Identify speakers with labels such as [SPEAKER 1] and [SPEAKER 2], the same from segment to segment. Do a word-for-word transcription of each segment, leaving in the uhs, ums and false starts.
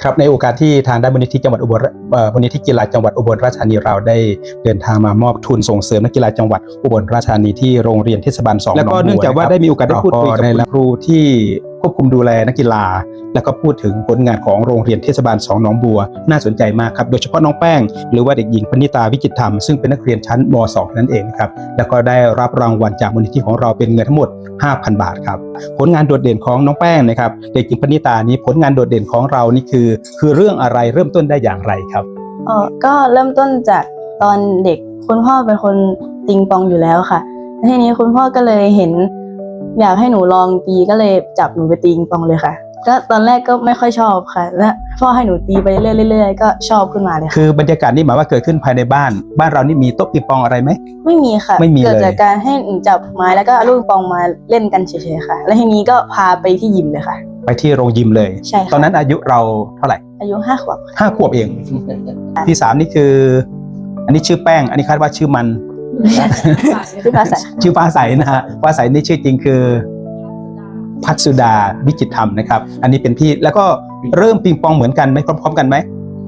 [SPEAKER 1] ครับในโอกาสที่ทางด้านมูลนิธิจังหวัดอุบลมูลนิธิกีฬาจังหวัดอุบลราชธานีเราได้เดินทางมามอบทุนส่งเสริมนักกีฬาจังหวัดอุบลราชธานีที่โรงเรียนเทศบาลสองแล้วก็เนื่องจากว่าได้มีโอกาสได้พูดคุยกับครูที่ควบคุมดูแลนักกีฬาแล้วก็พูดถึงผลงานของโรงเรียนเทศบาลสองหนองบัวน่าสนใจมากครับโดยเฉพาะน้องแป้งหรือว่าเด็กหญิงพนิตาวิจิตรธรรมซึ่งเป็นนักเรียนชั้นม.สอง นั่นเองครับแล้วก็ได้รับรางวัลจากมูลนิธิของเราเป็นเงินทั้งหมด ห้าพัน บาทครับผลงานโดดเด่นของน้องแป้งนะครับเด็กหญิงพนิตานี้ผลงานโดดเด่นของเรานี่คือคือเรื่องอะไรเริ่มต้นได้อย่างไรครับ
[SPEAKER 2] อ๋อก็เริ่มต้นจากตอนเด็กคุณพ่อเป็นคนติงปองอยู่แล้วค่ะทีนี้คุณพ่อก็เลยเห็นอยากให้หนูลองตีก็เลยจับหนูไปตีปิงปองเลยค่ะก็ตอนแรกก็ไม่ค่อยชอบค่ะแล้วพ่อให้หนูตีไปเรื่อยๆก็ชอบขึ้นมาเลย
[SPEAKER 1] คือบรรยากาศนี่หมายว่าเกิดขึ้นภายในบ้านบ้านเรานี่มีโต๊ะปิงปองอะไรไหม
[SPEAKER 2] ไม่มีค่ะ
[SPEAKER 1] ไม่มีเลย
[SPEAKER 2] เกิดจากการให้หนูจับไม้แล้วก็เอาลูกปิงปองมาเล่นกันเฉยๆค่ะแล้วทีนี้ก็พาไปที่ยิมเลยค่ะ
[SPEAKER 1] ไปที่โรงยิมเลย
[SPEAKER 2] ใช่ค่ะ
[SPEAKER 1] ตอนนั้นอายุเราเท่าไหร่
[SPEAKER 2] อายุห้าขวบ
[SPEAKER 1] ห้าขวบเองที่สามนี่คืออันนี้ชื่อแป้งอันนี้คาดว่าชื่อมัน
[SPEAKER 2] ชื่อฟ้าใส
[SPEAKER 1] ชื่อฟ้าใสนะฮะฟ้าใสนี่ชื่อจริงคือพัชสุดาวิจิตรธรรมนะครับอันนี้เป็นพี่แล้วก็เริ่มปิงปองเหมือนกันไหมพร้อมๆกันไหม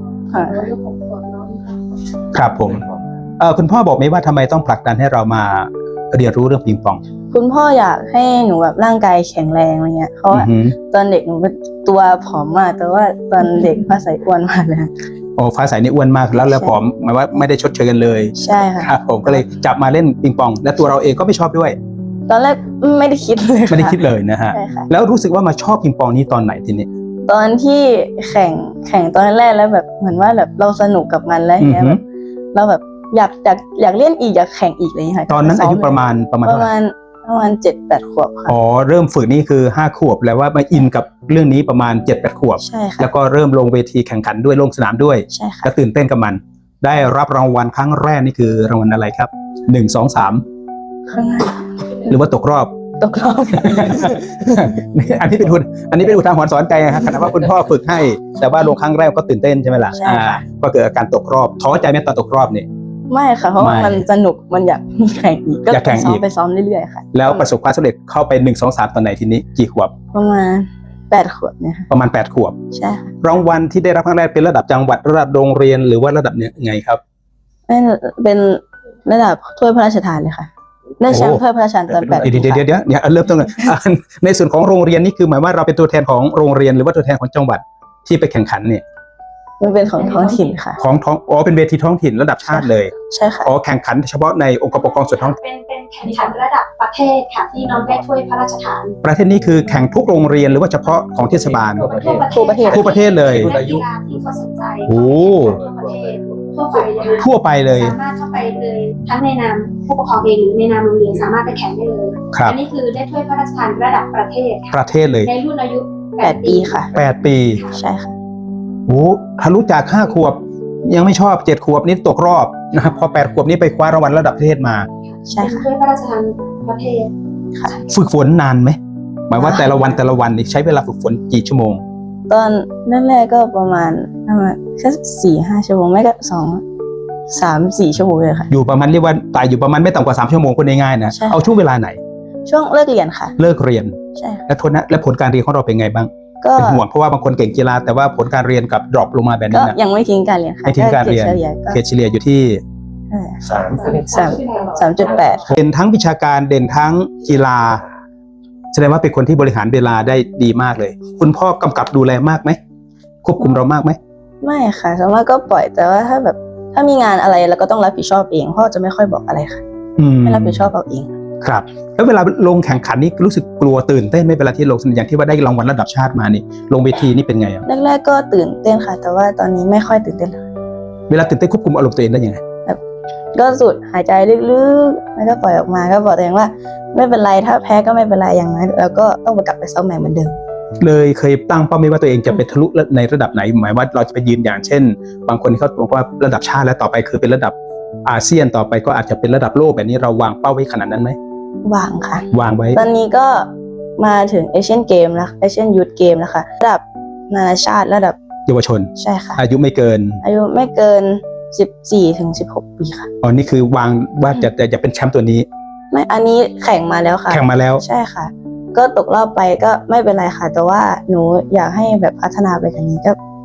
[SPEAKER 1] ครับผมเออคุณพ่อบอกไหมว่าทำไมต้องผลักดันให้เรามาเรียนรู้เรื่องปิงปอง
[SPEAKER 2] คุณพ่ออยากให้หนูแบบร่างกายแข็งแรงอะไรเงี้ยเพราะว่าตอนเด็กหนูตัวผอมมากแต่ว่าตอนเด็กฟ้าใสอ้วนมากเลย
[SPEAKER 1] โอ้ฟ้าใสนี่อ้วนมากแล้วแล้วผอมหมายว่าไม่ได้ชดเชยกันเลย
[SPEAKER 2] ใช่ค่ะ
[SPEAKER 1] ครับผมก็เลยจับมาเล่นปิงปองและตัวเราเองก็ไม่ชอบด้วย
[SPEAKER 2] ตอนแรกไม่ได้คิดเลย
[SPEAKER 1] ไม่ได้คิดเลยนะฮะแล้วรู้สึกว่ามาชอบปิงปองนี้ตอนไหนทีนี้
[SPEAKER 2] ตอนที่แข่งแข่งตอนแรกแล้วแบบเหมือนว่าแบบเราสนุกกับมันแล้วเนี้ยแบบเราแบบอยากอยากอยากเล่นอีกอยากแข่งอีกอะไรอย่างเงี้ยค่ะ
[SPEAKER 1] ตอนนั้นอายุประมาณประมาณ
[SPEAKER 2] ประมาณประมาณเจ็ดแปดขวบค่ะ
[SPEAKER 1] อ๋อเริ่มฝึกนี่คือห้าขวบแล้วว่ามาอินกับเรื่องนี้ประมาณเจ็ดแปดขวบ
[SPEAKER 2] ใช่ค่ะ
[SPEAKER 1] แล้วก็เริ่มลงเวทีแข่งขันด้วยลงสนามด้วย
[SPEAKER 2] ใช่ค่ะ
[SPEAKER 1] แล้วตื่นเต้นกับมันได้รับรางวัลครั้งแรกนี่คือรางวัลอะไรครับหนึ่งสองสามหรือว่าตกรอบ
[SPEAKER 2] ตกรอบ
[SPEAKER 1] อันนี้เป็นอุอันนี้เป็นอุทาหรณ์สอนใจนะครับขณะว่าคุณพ่อฝึกให้แต่ว่าลงครั้งแรกก็ตื่นเต้นใช่ไหมล่ะอ่าก็เกิดอาการตกรอบท้อใจไหมตอนตกรอบเนี่ย
[SPEAKER 2] ไม่ค่ะเพราะว่ามันสนุกมันอยากแข่งอีกก็ไปซ้อมไปซ้อมเรื่อยๆค่ะ
[SPEAKER 1] แล้วประสบความสำเร็จเข้าไปหนึ่งสองสามตอนไหนทีนี้กี่ขวบ
[SPEAKER 2] ประมาณแปดขวบเนี่ย
[SPEAKER 1] ประมาณแปดขวบ
[SPEAKER 2] ใช่ค่ะ
[SPEAKER 1] รางวัลที่ได้รับครั้งแรกเป็นระดับจังหวัดระดับโรงเรียนหรือว่าระดับเนี่ยไงครับ
[SPEAKER 2] เป็นระดับถ้วยพระราชทานเลยค่ะได้แชมป์ถ้วยพระราชทานตอนแปด
[SPEAKER 1] เดี๋ยวเดี๋ยวเดี๋ยวเดี๋ยวเนี่ยเริ่มต้นเลยในส่วนของโรงเรียนนี่คือหมายว่าเราเป็นตัวแทนของโรงเรียนหรือว่าตัวแทนของจังหวัดที่ไปแข่งขันเนี่ย
[SPEAKER 2] มันเป็นของท้องถิ่นค่ะ
[SPEAKER 1] ของท้องอ๋อเป็นเวทีท้องถิ่นระดับชาติเลย
[SPEAKER 2] ใช่ค่ะ
[SPEAKER 1] อ๋อแข่งขันเฉพาะในองค์กรปกครองส่วนท้อง
[SPEAKER 3] เป็นเป็นแข่งขันระดับประเทศค่ะที่น้องได้ถ้วยพระราชทาน
[SPEAKER 1] ประเทศนี้คือแข่งทุกโรงเรียนหรือว่าเฉพาะของเทศบาล
[SPEAKER 2] ทั่วประเทศ
[SPEAKER 1] ทั่วประเทศเลย
[SPEAKER 3] นักกีฬาที่เขาสนใจ
[SPEAKER 1] โอ้
[SPEAKER 3] ทั่วประเทศทั่วไปเลย
[SPEAKER 1] ทั่วไปเลย
[SPEAKER 3] สามารถเข้าไปเลยทั้งในนามผู้ปกครองเองหรือในนามโรงเรียนสามารถไปแข่งได้เลยอันนี้คือได้ถ้วยพระราชทานระดับประเทศ
[SPEAKER 1] ประเทศเลย
[SPEAKER 3] ในรุ่นอายุ
[SPEAKER 2] แปดปีค่ะ
[SPEAKER 1] แปดปี
[SPEAKER 2] ใช่ค่ะ
[SPEAKER 1] โอ้ทะลุจากห้าขวบยังไม่ชอบเจ็ดขวบนี่ตกรอบนะครับพอแปดขวบนี่ไปคว้ารางวัลระดับประเทศมา
[SPEAKER 2] ใช่ค่ะ
[SPEAKER 3] ถ้วยพระราชทานประเทศ
[SPEAKER 2] ค่ะ
[SPEAKER 1] ฝึกฝนนานไหมหมายว่าแต่ละวันแต่ละวันนี่ใช้เวลาฝึกฝนกี่ชั่วโมง
[SPEAKER 2] ตอนแรกๆก็ประมาณประมาณแค่สี่ห้าชั่วโมงไม่ก็สองสามสี่ชั่วโมงเลยค่ะ
[SPEAKER 1] อยู่ประมาณเรียกว่าตายอยู่ประมาณไม่ต่ำกว่าสามชั่วโมงคนง่ายๆนะเอาช่วงเวลาไหน
[SPEAKER 2] ช่วงเลิกเรียนค่ะ
[SPEAKER 1] เลิกเรียน
[SPEAKER 2] ใช่
[SPEAKER 1] แล้วทนนะและผลการเรียนของเราเป็นไงบ้างเป็นห่วงเพราะว่าบางคนเก่งกีฬาแต่ว่าผลการเรียนกับดรอปลงมาแบบนี้นะ
[SPEAKER 2] ยังไม่ทิ้งการเรียนค่ะ
[SPEAKER 1] ไม่ทิ้งการเรียนเกรดเฉลี่ยอยู่ที่
[SPEAKER 2] สามสามสามจุดแปด
[SPEAKER 1] เด่นทั้งวิชาการเด่นทั้งกีฬาแสดงว่าเป็นคนที่บริหารเวลาได้ดีมากเลยคุณพ่อกำกับดูแลมากไหมควบคุมเรามากไหม
[SPEAKER 2] ไม่ค่ะส่วนมากก็ปล่อยแต่ว่าถ้าแบบถ้ามีงานอะไรเราก็ต้องรับผิดชอบเองพ่อจะไม่ค่อยบอกอะไรค่ะไม่รับผิดชอบเอาเอง
[SPEAKER 1] ครับแล้วเวลาลงแข่งขันนี่รู้สึกกลัวตื่นเต้นไหมเวลาที่ลงอย่างที่ว่าได้รางวัลระดับชาติมานี่ลงเวทีนี่เป็นไงอ่ะ
[SPEAKER 2] แรกๆก็ตื่นเต้นค่ะแต่ว่าตอนนี้ไม่ค่อยตื่นเต้นเลย
[SPEAKER 1] เวลาตื่นเต้นควบคุมอารมณ์ตัวเองได้ยังไง
[SPEAKER 2] แบบก็สูดหายใจลึกๆแล้วก็ปล่อยออกมาก็บอกตัวเองว่าไม่เป็นไรถ้าแพ้ก็ไม่เป็นไรอย่างนั้นแล้วก็ต้องกลับไปซ้อมใหม่เหมือนเดิม
[SPEAKER 1] เลยเคยตั้งเป้าหมายว่าตัวเองจะไปทะลุในระดับไหนหมายว่าเราจะไปยืนอย่างเช่นบางคนเขาบอกว่าระดับชาติแล้วต่อไปคือเป็นระดับอาเซียนต่อไปก็อาจจะเป็นระดับโลกแบบนี้เราวางเป้าไว้ขนาดนั้นไหม
[SPEAKER 2] วางค่ะ
[SPEAKER 1] วางไว้
[SPEAKER 2] ตอนนี้ก็มาถึงเอเชียนเกมแล้วเอเชียนยูทเกมแล้วค่ะระดับนานาชาติระดับ
[SPEAKER 1] เยาวชน
[SPEAKER 2] ใช่ค่ะ
[SPEAKER 1] อายุไม่เกิน
[SPEAKER 2] อายุไม่เกินสิบสี่ถึงสิบหกปีค่ะ
[SPEAKER 1] อ๋อนี่คือวางว่าจะจะเป็นแชมป์ตัวนี้
[SPEAKER 2] ไม่อันนี้แข่งมาแล้วค่ะ
[SPEAKER 1] แข่งมาแล้ว
[SPEAKER 2] ใช่ค่ะก็ตกรอบไปก็ไม่เป็นไรค่ะแต่ว่าหนูอยากให้แบบพัฒนาไปกว่านี้ก็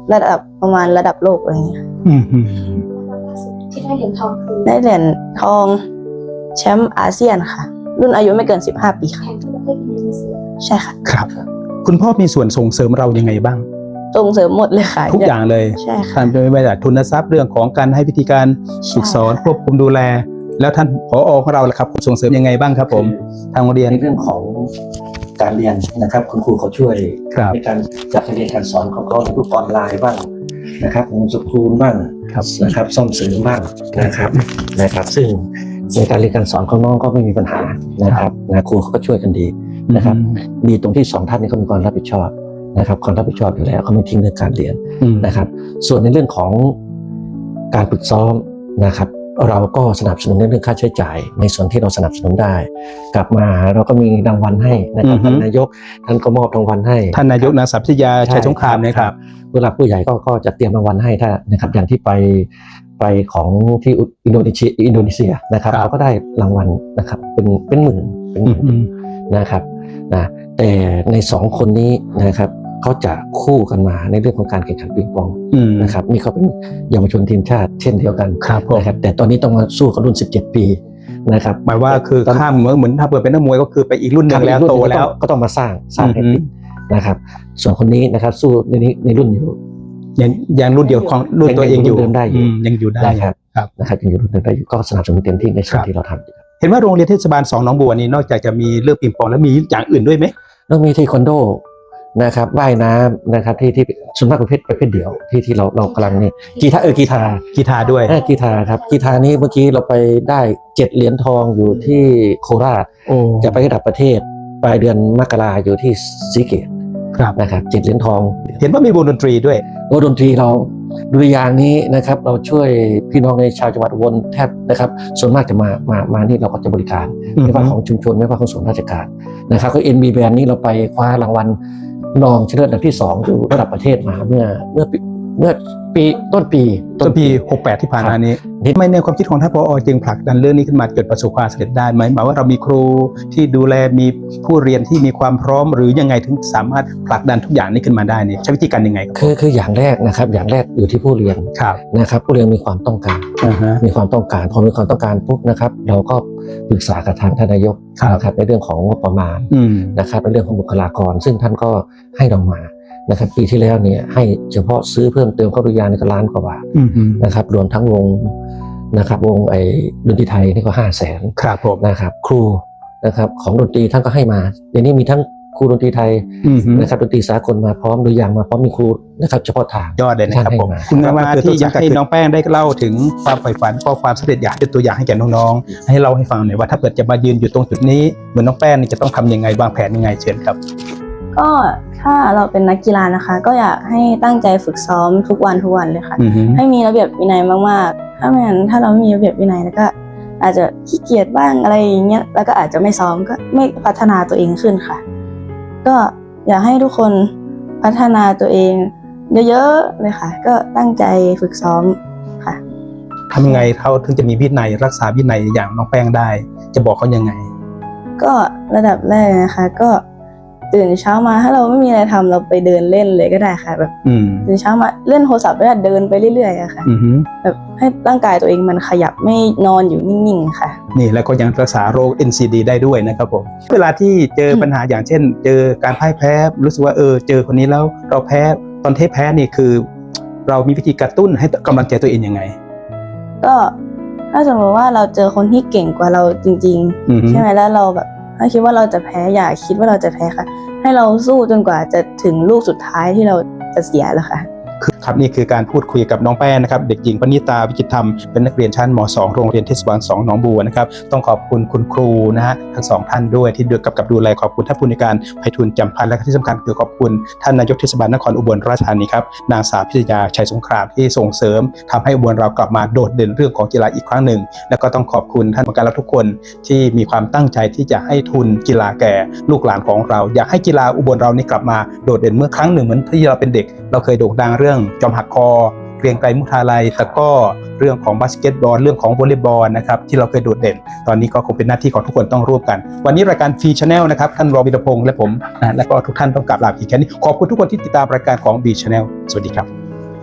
[SPEAKER 2] ระดับประมาณระดับโลกอะไรอย่างเงี้ย
[SPEAKER 1] อืมอืม
[SPEAKER 3] ล่าสุดที่ได้เหรียญทองคือ
[SPEAKER 2] ได้เหรียญทองแชมป์อาเซียนค่ะ รุ่นอายุไม่เกินสิบห้าปีค่ะ
[SPEAKER 3] แข่งที่ประเทศอินโดนีเซีย
[SPEAKER 2] ใช่ค่ะ
[SPEAKER 1] ครับ คุณพ่อมีส่วนส่งเสริมเรายังไงบ้าง
[SPEAKER 2] ส่งเสริมหมดเลยค่ะ
[SPEAKER 1] ทุกอย่างเลย
[SPEAKER 2] ใช่ค่ะ
[SPEAKER 1] ท่านไม่ว่าจะทุนทรัพย์เรื่องของการให้วิธีการฝึกสอนควบคุมดูแล แล้วท่านผอของเราล่ะครับส่งเสริมยังไงบ้างครับผมทางโรงเรียน
[SPEAKER 4] ในเรื่องของการเรียนนะครับคุณครูเขาช่วย
[SPEAKER 1] ครับ
[SPEAKER 4] ในการจัดการเรียนการสอนของเขาในรูปออนไลน์บ้างนะครับโฮมสคูลบ้าง
[SPEAKER 1] ครับ
[SPEAKER 4] นะครับซ่อมเสริมบ้างนะครับนะครับ ซึ่งในการเรียนการสอนของน้องก็ไม่มีปัญหานะครับนะครูเขาก็ช่วยกันดีนะครับดีตรงที่สองท่านนี้เขามีความรับผิดชอบนะครับความรับผิดชอบอยู่แล้วเขาไม่ทิ้งเรื่องการเรียน
[SPEAKER 1] อืม
[SPEAKER 4] นะครับ ส่วนในเรื่องของการฝึกซ้อมนะครับ เราก็สนับสนุนในเรื่องค่าใช้จ่ายในส่วนที่เราสนับสนุนได้ กลับมาเราก็มีรางวัลให้นะครับ
[SPEAKER 1] อือฮึ
[SPEAKER 4] ท่านนายกท่านก็มอบรางวัลให้
[SPEAKER 1] ท่านนายกนางสาวพิทยาชัยสงครามนะครับ
[SPEAKER 4] ผู้หลักผู้ใหญ่ก็ก็จะเตรียมรางวัลให้ถ้านะครับอย่างที่ไปไปของที่อินโดนีเซียอินโดนีเซียนะครับ
[SPEAKER 1] ครับ
[SPEAKER 4] เขาก็ได้รางวัลนะครับเป็นเป็นหมื่นเป็นห
[SPEAKER 1] อื
[SPEAKER 4] มื่
[SPEAKER 1] ม
[SPEAKER 4] น
[SPEAKER 1] อืม
[SPEAKER 4] นะครับนะแต่ในสองคนนี้นะครับเขาจะคู่กันมาในเรื่องของการแข่งขันปิงปอง
[SPEAKER 1] อืม
[SPEAKER 4] นะครับนี่เขาเป็นเยาวชนทีมชาติเช่นเดียวกัน
[SPEAKER 1] ครับผม
[SPEAKER 4] นะครับแต่ตอนนี้ต้องมาสู้กับรุ่นสิบเจ็ดปีนะครับ
[SPEAKER 1] หมายว่าคือ
[SPEAKER 4] ตน
[SPEAKER 1] ข้ามเหมือนเหมือนถ้าเปิดเป็นนักมวยก็คือไปอีกรุ่นหนึ่งแล้ว
[SPEAKER 4] รุ่น
[SPEAKER 1] โต
[SPEAKER 4] หนึ่ง
[SPEAKER 1] แล้ว
[SPEAKER 4] ก็ต้องก็ต้องมาสร้างสร้างให้
[SPEAKER 1] อือฮึ
[SPEAKER 4] ติดนะครับ ส่วนคนนี้นะครับสู้ในนี้ในรุ่นอยู่
[SPEAKER 1] ยังยังรุ่นเดียวของรุ่นตัวเองอยู่
[SPEAKER 4] ยังอยู่รุ่นเดิมได้อยู่
[SPEAKER 1] มยังอยู่ได้
[SPEAKER 4] นะครับ
[SPEAKER 1] ครับ
[SPEAKER 4] นะครับยังอยู่รุ่นเดิมได้อยู่ก็สนับสนุนเต็มที่ในส่ว
[SPEAKER 1] คน รับ
[SPEAKER 4] ที่เราทำอยู่
[SPEAKER 1] เห็นว่าโรงเรียนเทศบาลสองหนองบัวนี่นอกจากจะมีเรื่องปิงปองแล้วมีอย่างอื่นด้วยไหม
[SPEAKER 4] แล้วมีเทควันโดนะครับว่ายน้ำนะครับที่ที่ส่วนมากประเภทประเภทเดี่ยวที่ที่เราเรากำลังนี่กีตาร์เออกีตาร์
[SPEAKER 1] กีฬาด้วย
[SPEAKER 4] เออกีตาร์ครับกีตาร์นี้เมื่อกี้เราไปได้เจ็ดเหรียญทองอยู่ที่โคราช
[SPEAKER 1] โอ้
[SPEAKER 4] จะไประดับประเทศปลายเดือนมกราอยู่ที่ศรีเกต
[SPEAKER 1] ครับ
[SPEAKER 4] นะครับเจ็ดเหรียญทอง
[SPEAKER 1] เห็นว่ามีวงดนตรีด้วย
[SPEAKER 4] วงดนตรีเราดุริยางค์นี้นะครับเราช่วยพี่น้องในชาวจังหวัดอุบลแทบนะครับส่วนมากจะมามามานี่เราก็จะบริการ
[SPEAKER 1] อือฮึ
[SPEAKER 4] ไม่ว่าของชุมชนไม่ว่าของส่วนราชการนะครับก็เอ็นบีแบนนี้เราไปคว้ารางวัลรองชนะเลิศอันดับที่สองอยู่ระดับประเทศมาเมื่อเมื่อปีเมื่อปีต้นปี
[SPEAKER 1] ต้นปีหกแปดที่ผ่านมานี้ทำไมในความคิดของท่านผอจึงผลักดันเรื่องนี้ขึ้นมาเกิดประสบความสำเร็จได้ไหมหมายว่าเรามีครูที่ดูแลมีผู้เรียนที่มีความพร้อมหรือยังไงถึงสามารถผลักดันทุกอย่างนี้ขึ้นมาได้เนี่ยใช้วิธีการยังไงครับ
[SPEAKER 4] คือคืออย่างแรกนะครับอย่างแรกอยู่ที่ผู้เรียน
[SPEAKER 1] ครับ
[SPEAKER 4] นะครับผู้เรียนมีความต้องการ
[SPEAKER 1] อ่าฮะ
[SPEAKER 4] มีความต้องการพอมีความต้องการปุ๊บนะครับเราก็ปรึกษากับทางท่านนายก
[SPEAKER 1] ครับ
[SPEAKER 4] นะครับในเรื่องของงบประมาณ
[SPEAKER 1] อืม
[SPEAKER 4] นะครับในเรื่องของบุคลากร ซึ่งท่านก็ให้เรามานะครับปีที่แล้วเนี่ยให้เฉพาะซื้อเพิ่มเติมเข้าดุริยางค์ในก็ล้านกว่าบาท
[SPEAKER 1] อืมอืม
[SPEAKER 4] นะครับรวมทั้งวงนะครับวงไอ้ดนตรีไทยนี่ก็ห้าแสน
[SPEAKER 1] ครับผม
[SPEAKER 4] นะครับครูนะครับของดนตรีท่านก็ให้มาเดี๋ยวนี้มีทั้งครูดนตรีไทย
[SPEAKER 1] อืมฮึ
[SPEAKER 4] นะครับดนตรีสากลมาพร้อมดุริยางค์มาพร้อมมีครูนะครับเฉพาะทาง
[SPEAKER 1] ยอดเลยนะครับผม
[SPEAKER 4] ท่านให้มา
[SPEAKER 1] คุณมาที่อยากให้น้องแป้งได้เล่าถึงความใฝ่ฝันก็ความสำเร็จอยากเป็นตัวอย่างให้แก่น้องๆให้เล่าให้ฟังหน่อยว่าถ้าเกิดจะมายืนอยู่ตรงจุดนี้เหมือนน้องแป้งนี่จะต้องทำยังไงวางแผนยังไงเชิญครับ
[SPEAKER 2] ก็ถ้าเราเป็นนักกีฬานะคะ ก็อยากให้ตั้งใจฝึกซ้อมทุกวันทุกวันเลยค่ะ
[SPEAKER 1] อือฮึ
[SPEAKER 2] ให้มีระเบียบวินัยมากๆ ถ้าไม่งั้นถ้าเราไม่มีระเบียบวินัยแล้วก็อาจจะขี้เกียจบ้างอะไรอย่างเงี้ย แล้วก็อาจจะไม่ซ้อมก็ไม่พัฒนาตัวเองขึ้นค่ะ ก็อยากให้ทุกคนพัฒนาตัวเองเยอะๆเลยค่ะ ก็ตั้งใจฝึกซ้อมค่ะ
[SPEAKER 1] ทำยังไงเขาถึงจะมีวินัยรักษาวินัยอย่างน้องแป้งได้ จะบอกเขายังไง
[SPEAKER 2] ก็ระดับแรกนะคะ ก็ตื่นเช้ามาถ้าเราไม่มีอะไรทำเราไปเดินเล่นเลยก็ได้ค่ะ แบบ
[SPEAKER 1] อืม
[SPEAKER 2] ตื่นเช้ามาเล่นโทรศัพท์แล้วเดินไปเรื่อยๆอะค่ะ
[SPEAKER 1] อือฮึ
[SPEAKER 2] แบบให้ร่างกายตัวเองมันขยับไม่นอนอยู่นิ่งๆค่ะ
[SPEAKER 1] นี่แล้วก็ยังรักษาโรค เอ็น ซี ดี ได้ด้วยนะครับผมเวลาที่เจอปัญหาอย่างเช่น เจอการพ่ายแพ้รู้สึกว่าเออเจอคนนี้แล้วเราแพ้ตอนเทแพ้นี่คือ เรามีวิธีกระตุ้นให้กำลังใจตัวเองยังไง
[SPEAKER 2] ก็ถ้าสมมติว่าเราเจอคนที่เก่งกว่าเราจริง
[SPEAKER 1] อือฮึ
[SPEAKER 2] ๆ ใช่ไหมแล้วเราแบบถ้าคิดว่าเราจะแพ้อย่าคิดว่าเราจะแพ้ค่ะ ให้เราสู้จนกว่าจะถึงลูกสุดท้ายที่เราจะเสียแล้วค่ะ
[SPEAKER 1] ครับนี่คือการพูดคุยกับน้องแป้งนะครับเด็กหญิงปณิตาวิจิตรธรรมเป็นนักเรียนชั้นม สอง โรงเรียนเทศบาลสองหนองบัวนะครับต้องขอบคุณคุณครูนะฮะทั้งสองท่านด้วยที่ดูกับกับดูแลขอบคุณท่านผู้ในวยการไพฑูรย์จำพันธ์และที่สำคัญคือขอบคุณท่านนายกเทศบาลนครอุบลราชธานีครับนางสาวพิทยาชัยสงครามที่ส่งเสริมทำให้อุบลเรากลับมาโดดเด่นเรื่องของกีฬาอีกครั้งหนึ่งแล้วก็ต้องขอบคุณท่านผู้การและทุกคนที่มีความตั้งใจที่จะให้ทุนกีฬาแก่ลูกหลานของเราอยากให้กีฬาอุบลเรานี่กลับมาโดดเด่นเมื่อครั้งหนึ่งเหมือนที่เราเป็นเด็กเราเคยโด่งดังเรื่องจอมหักคอเกรียงไกรมุทาลัยตะกร้อเรื่องของบาสเกตบอลเรื่องของวอลเลย์บอลนะครับที่เราเคยโดดเด่นตอนนี้ก็คงเป็นหน้าที่ของทุกคนต้องร่วมกันวันนี้รายการฟรีชาแนลนะครับท่านรองวิรพงษ์และผมนะและก็ทุกท่านต้องกราบลาอีกแค่นี้ขอบคุณทุกคนที่ติดตามรายการของ บี Channel สวัสดีครับ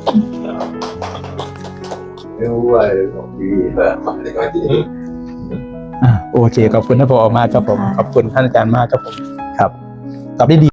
[SPEAKER 5] ไม่รู้ว่าของพี่แบบอะไรก็ที่
[SPEAKER 1] อ่าโอเคขอบคุณท่านผอมากครับผมขอบคุณท่านอาจารย์มากครับผมครับตอบได้ดี